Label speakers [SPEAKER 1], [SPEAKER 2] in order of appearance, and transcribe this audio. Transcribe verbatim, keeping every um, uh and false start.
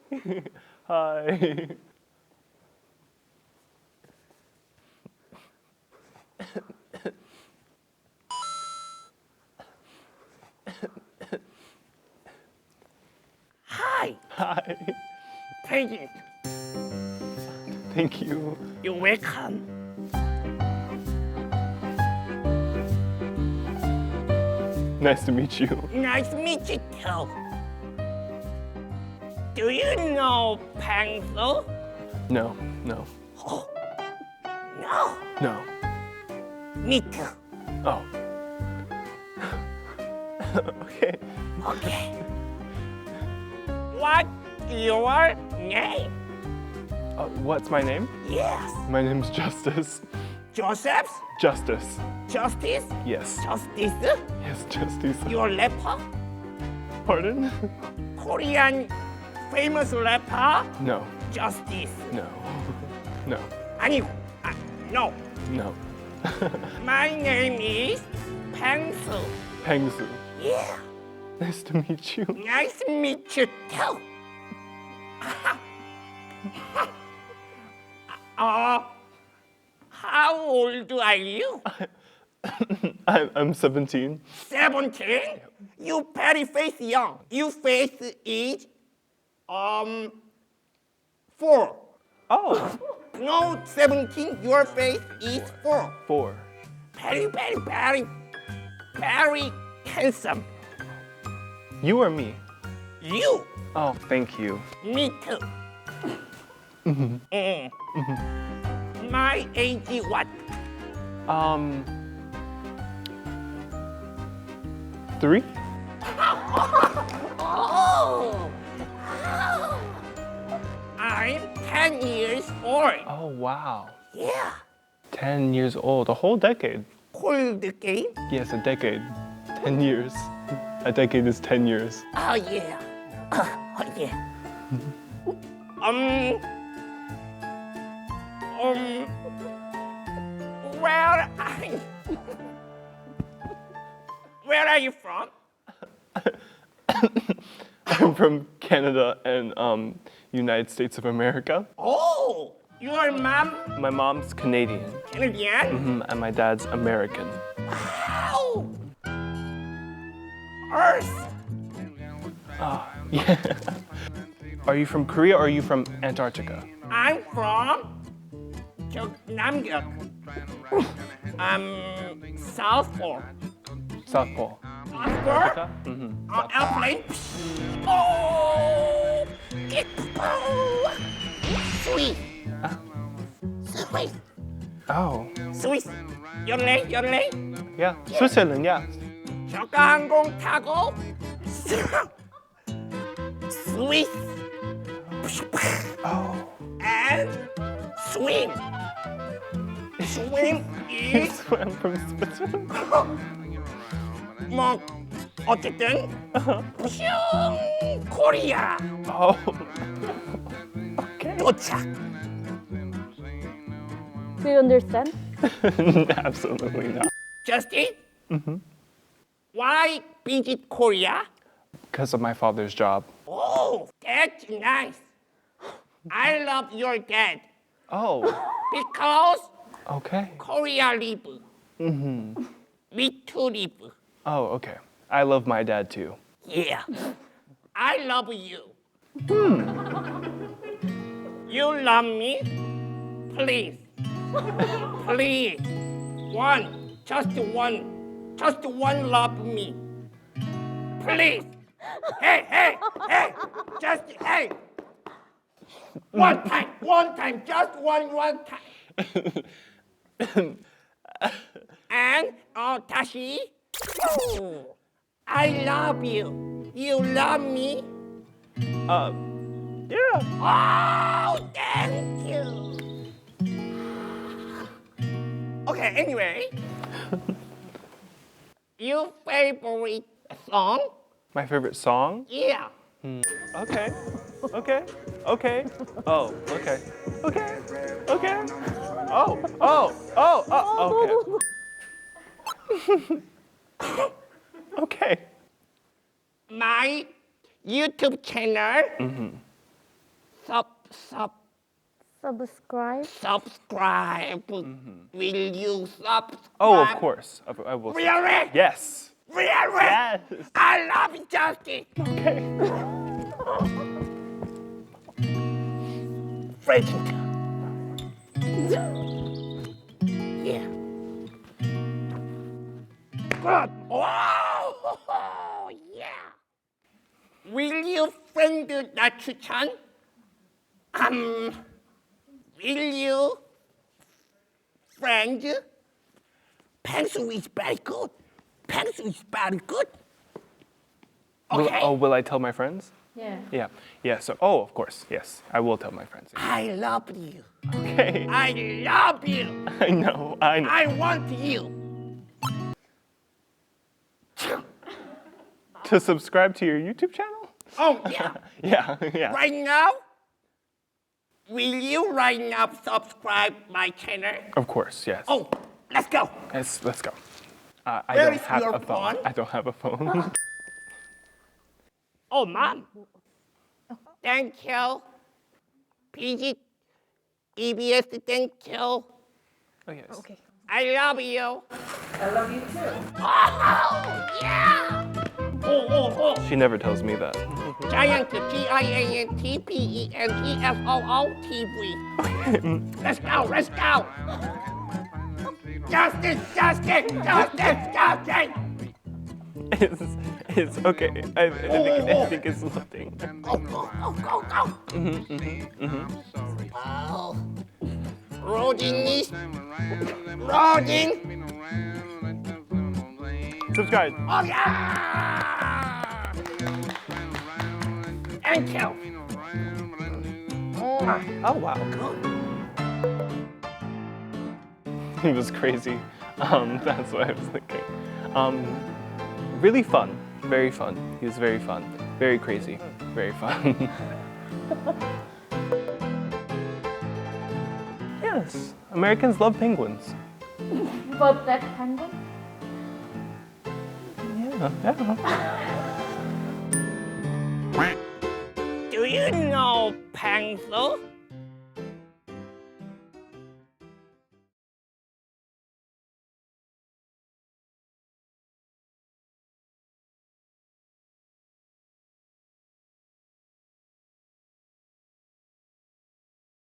[SPEAKER 1] Hi.
[SPEAKER 2] Hi,
[SPEAKER 1] Hi.
[SPEAKER 2] President.
[SPEAKER 1] Thank you.
[SPEAKER 2] You're welcome.
[SPEAKER 1] Nice to meet you.
[SPEAKER 2] Nice to meet you too. Do you know pencil?
[SPEAKER 1] No, no,
[SPEAKER 2] No.
[SPEAKER 1] no.
[SPEAKER 2] Me too.
[SPEAKER 1] Oh. Okay.
[SPEAKER 2] Okay. What's your name?
[SPEAKER 1] Uh, what's my name?
[SPEAKER 2] Yes.
[SPEAKER 1] My name's Justice.
[SPEAKER 2] Joseph?
[SPEAKER 1] Justice.
[SPEAKER 2] Justice?
[SPEAKER 1] Yes.
[SPEAKER 2] Justice?
[SPEAKER 1] Yes, Justice.
[SPEAKER 2] Your rapper?
[SPEAKER 1] Pardon?
[SPEAKER 2] Korean famous rapper?
[SPEAKER 1] No,
[SPEAKER 2] Justice.
[SPEAKER 1] no, no,
[SPEAKER 2] 아니고, 아, no.
[SPEAKER 1] no.
[SPEAKER 2] My name is Pencil.
[SPEAKER 1] Pengsu.
[SPEAKER 2] Yeah.
[SPEAKER 1] Nice to meet you.
[SPEAKER 2] Nice to meet you too. uh, how old are you?
[SPEAKER 1] I'm, I'm seventeen.
[SPEAKER 2] seventeen? You very face young. You face is um four.
[SPEAKER 1] Oh,
[SPEAKER 2] No, seventeen. Your face is four.
[SPEAKER 1] four.
[SPEAKER 2] Very, very, very, very handsome.
[SPEAKER 1] You or me?
[SPEAKER 2] You.
[SPEAKER 1] Oh, thank you.
[SPEAKER 2] Me too. Mm. My age is what?
[SPEAKER 1] Um, three?
[SPEAKER 2] Oh. I'm ten years old.
[SPEAKER 1] Oh, wow.
[SPEAKER 2] Yeah.
[SPEAKER 1] Ten years old, a whole decade.
[SPEAKER 2] Cold game?
[SPEAKER 1] Yes, a decade. Ten years. A decade is ten years.
[SPEAKER 2] Oh yeah. Oh yeah. um. Um. Where are you? Where are you from?
[SPEAKER 1] I'm from Canada and um, United States of America.
[SPEAKER 2] Oh, your mom
[SPEAKER 1] My mom's Canadian,
[SPEAKER 2] Canadian?
[SPEAKER 1] mhm, and my dad's American.
[SPEAKER 2] Wow. Earth.
[SPEAKER 1] Yeah. Are you from Korea or are you from Antarctica?
[SPEAKER 2] I'm from 저 남극. Um, South Pole.
[SPEAKER 1] South Pole.
[SPEAKER 2] South Pole?
[SPEAKER 1] Mm-hmm.
[SPEAKER 2] Uh, airplane. Oh, sweet. Sweet.
[SPEAKER 1] Oh,
[SPEAKER 2] 스위스. 연례, 연례.
[SPEAKER 1] yeah. Switzerland, yeah.
[SPEAKER 2] 저가 항공 타고 스위스.
[SPEAKER 1] Oh.
[SPEAKER 2] And swim. Swim is
[SPEAKER 1] I'm from Switzerland.
[SPEAKER 2] 뭐 어쨌든 슝 코리아
[SPEAKER 1] Oh. Okay.
[SPEAKER 2] 도착.
[SPEAKER 3] Do you understand?
[SPEAKER 1] Absolutely not.
[SPEAKER 2] Justin? Why visit Korea?
[SPEAKER 1] Because of my father's job.
[SPEAKER 2] Oh, that's nice. I love your dad
[SPEAKER 1] Oh.
[SPEAKER 2] because
[SPEAKER 1] Okay.
[SPEAKER 2] Korea live. Me too live.
[SPEAKER 1] Oh, okay. I love my dad too.
[SPEAKER 2] Yeah. I love you. You love me? Please. Please. One. Just one. Just one love me. Please. Hey, hey, hey. Just, hey. One time, one time, just one, one time. And, uh, 다시. Oh, I love you. You love me?
[SPEAKER 1] Uh, yeah.
[SPEAKER 2] Oh, thank you. Okay, anyway. Your favorite song?
[SPEAKER 1] My favorite song?
[SPEAKER 2] Yeah.
[SPEAKER 1] Okay. Okay. Okay. Oh, okay. Okay. Okay. Oh, oh, oh, oh, okay. Okay.
[SPEAKER 2] My YouTube channel sub sub
[SPEAKER 3] Subscribe.
[SPEAKER 2] subscribe. Will you subscribe?
[SPEAKER 1] Oh, of course. I, I will.
[SPEAKER 2] Really?
[SPEAKER 1] Yes.
[SPEAKER 2] Really?
[SPEAKER 1] Yes.
[SPEAKER 2] I love you, Justin.
[SPEAKER 1] Okay.
[SPEAKER 2] President. Yeah. Good. Oh, yeah. Will you friend the 추천? Um, will you friend? Pencil is very good. Pencil is very good.
[SPEAKER 1] Will,
[SPEAKER 2] Okay.
[SPEAKER 1] oh, will I tell my friends?
[SPEAKER 3] Yeah.
[SPEAKER 1] Yeah. Yeah. So, oh, of course. Yes, I will tell my friends.
[SPEAKER 2] I love you.
[SPEAKER 1] Okay.
[SPEAKER 2] I love you.
[SPEAKER 1] I know. I know.
[SPEAKER 2] I want you.
[SPEAKER 1] To subscribe to your YouTube channel?
[SPEAKER 2] Oh, yeah.
[SPEAKER 1] Yeah. Yeah.
[SPEAKER 2] Right now, will you right now subscribe my channel?
[SPEAKER 1] Of course. Yes.
[SPEAKER 2] Oh, let's go.
[SPEAKER 1] Yes. Let's go. Uh, I
[SPEAKER 2] Where
[SPEAKER 1] don't
[SPEAKER 2] is
[SPEAKER 1] have
[SPEAKER 2] your
[SPEAKER 1] a phone.
[SPEAKER 2] phone?
[SPEAKER 1] I don't have a phone.
[SPEAKER 2] Oh, mom. Thank you. P G, E B S, thank you.
[SPEAKER 1] Oh yes.
[SPEAKER 3] Okay.
[SPEAKER 2] I love you.
[SPEAKER 3] I love you too.
[SPEAKER 2] Oh, yeah. Oh, oh, oh.
[SPEAKER 1] She never tells me that.
[SPEAKER 2] Giant, G I A N T P E N T F O O T V. Let's go, let's go. Justin, Justin, Justin, Justin.
[SPEAKER 1] It's, it's okay. I, I, think, I think it's loading.
[SPEAKER 2] Go, go, go, go, go. Oh. Loading is loading.
[SPEAKER 1] Subscribe.
[SPEAKER 2] Oh, yeah. Thank you.
[SPEAKER 1] Oh wow. He was crazy. Um, that's what I was thinking. Um, really fun. Very fun. He was very fun. Very crazy. Very fun. Yes. Americans love penguins.
[SPEAKER 3] But that penguin?
[SPEAKER 1] Yeah. Yeah.
[SPEAKER 2] Do you know pencil?